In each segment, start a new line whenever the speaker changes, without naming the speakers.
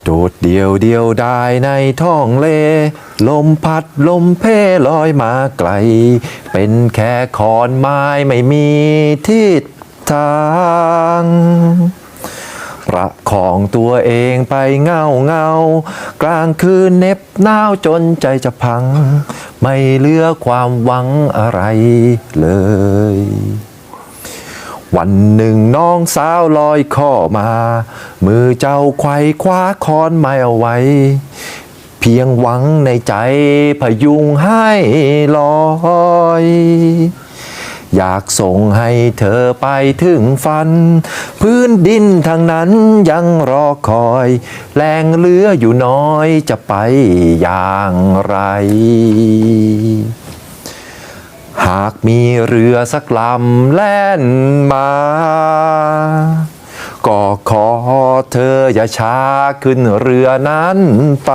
โดดเดียวเดียวได้ในท้องเลลมพัดลมเพลอยมาไกลเป็นแค่ขอนไม้ไม่มีทิศทางประคองตัวเองไปเงากลางคืนเหน็บหนาวจนใจจะพังไม่เหลือความหวังอะไรเลยวันหนึ่งน้องสาวลอยข้อมามือเจ้าไขว้คว้าค้อนไม้เอาไว้เพียงหวังในใจพยุงให้ลอยอยากส่งให้เธอไปถึงฝันพื้นดินทางนั้นยังรอคอยแรงเหลืออยู่น้อยจะไปอย่างไรหากมีเรือสักลำแล่นมาก็ขอเธออย่าช้าขึ้นเรือนั้นไป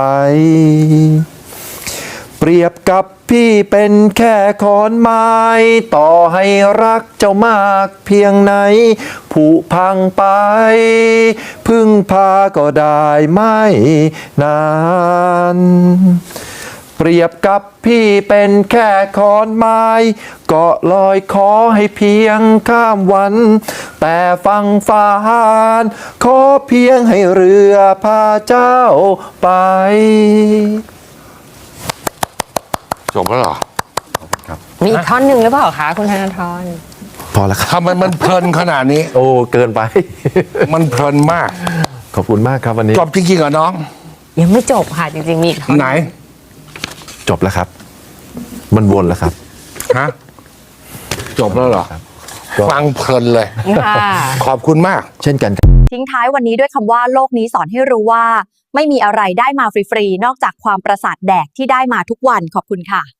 เปรียบกับพี่เป็นแค่ขอนไม้ต่อให้รักเจ้ามากเพียงไหนผุพังไปพึ่งพาก็ได้ไม่นานเปรียบกับพี่เป็นแค่ขอนไม้ก็ลอยขอให้เพียงข้ามวันแต่ฟังฟ้านขอเพียงให้เรือพาเจ้าไป
จบแล้วเหรอ
มีอีกท่อนหนึ่งหรือเปล่าคะคุณธนาธร
พอแล้วครับ
ทำไมมันเพลินขนาดนี้
โอ้เกินไป
มันเพลินมาก
ขอบคุณมากครับวันนี้
จบจริงๆเหรอน้อง
ยังไม่จบค่ะจริงๆมีอีกท่อน
ไหน
จบแล้วครับ มันวนแล้วครับ
ฮะ จบแล้วเหรอ
ก็
ฟังเพลินเลย
ค่ะ
ขอบคุณมาก
เช่นกันครับ
ทิ้งท้ายวันนี้ด้วยคำว่าโลกนี้สอนให้รู้ว่า ไม่มีอะไรได้มาฟรีๆนอกจากความประสาทแดกที่ได้มาทุกวันขอบคุณค่ะ